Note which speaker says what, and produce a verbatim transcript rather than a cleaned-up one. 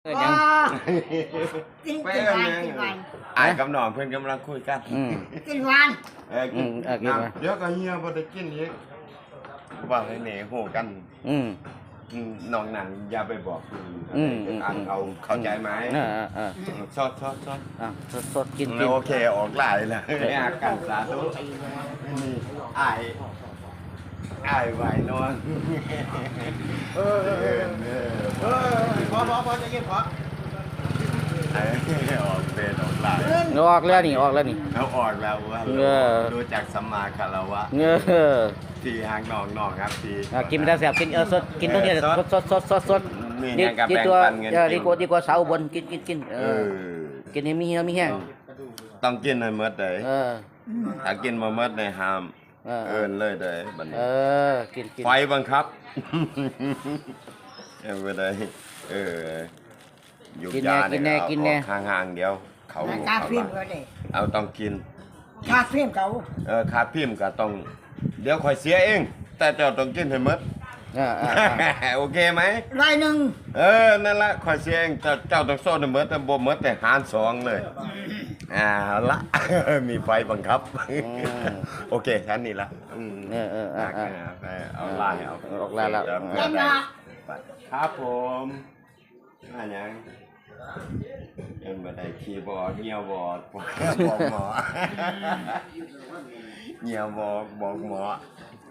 Speaker 1: เออยัง
Speaker 2: กินกินวันกินวัน
Speaker 3: อายกับน้องเพื่อนกำลังคุยกัน
Speaker 1: อืม
Speaker 2: กินวัน
Speaker 3: เออกิน
Speaker 1: อืมเออกินมา
Speaker 3: เดี๋ยวก็เฮียบ่ได้กินอีกว่าให้แหน่โหกัน
Speaker 1: อืม
Speaker 3: อืมน้องนั่นอย่าไปบอกคือ
Speaker 1: อืม
Speaker 3: อ่านเอาเข้าใจไหม
Speaker 1: เออเออเออ
Speaker 3: ชอดชอดชอด
Speaker 1: อ่ะสดสดกินกิน
Speaker 3: โอเคออกหลายแล้วเนี่ยกันสาธุนี่อายอายไหวนอนเออเออเออเออพอพอพอจะกินพอไอ้ออกเป็นออกหลาย
Speaker 1: ออกแล้วนี่ออกแล้วนี่
Speaker 3: เขาออกแล้วว่า
Speaker 1: เออ
Speaker 3: ดูจากสัมมาคารวะ
Speaker 1: เงอ
Speaker 3: ที่หางน้องน้องครับที่
Speaker 1: อ่ะกินไม่ได้แซ่บกินเออสดกินตรงนี้สดสดสดสดสด
Speaker 3: มี
Speaker 1: ดี
Speaker 3: เนี่ยกับ
Speaker 1: ดี
Speaker 3: แบ่ง
Speaker 1: ตัว
Speaker 3: ปันเงิน
Speaker 1: เออดีกว่าดีกว่าสาวอุบนกินกินกินเอ
Speaker 3: เอ
Speaker 1: อ
Speaker 3: อ
Speaker 1: กินให้มีเหี่ยวมีแห้ง
Speaker 3: ต้องกินให้หมดเลย
Speaker 1: เออ
Speaker 3: ถ้ากินมาหมดในห้าม
Speaker 1: เออ
Speaker 3: เอินเลยเลยบัด
Speaker 1: เอ
Speaker 3: นี้
Speaker 1: อกินกิน
Speaker 3: ไฟบังคับเอาไปเลยเอออยู่ยาเนี่ยเอาห่างๆเดียว เขา
Speaker 2: กาฟิล์มก็ได้
Speaker 3: เอาต้องกิน
Speaker 2: กาฟิล์มเขา
Speaker 3: เออขาดพิมพ์ก็ต้อง เดี๋ยวคอยเสียเอง แต่เจ้าต้องกินให้หมด
Speaker 1: เออเออเออ
Speaker 3: โอเคไหม
Speaker 2: รายหนึ่ง
Speaker 3: เออ นั่นละคอยเสียเองเจ้าเจ้าต้องโซ่ให้หมดแต่บ่หมดแต่หารสองเลยอ่าละ มีไฟบังคับ โอเคแค่นี้ละอืม
Speaker 1: เออเออเออเออ
Speaker 3: ไปเอาไล่เอา
Speaker 1: ออกไล่แล้ว
Speaker 2: เล่นละ
Speaker 3: ครับผมอันยังยังไม่ได้คีย์บอร์ดเงียวบอร์ด บอกหมอเงียวบอกบอกหมอ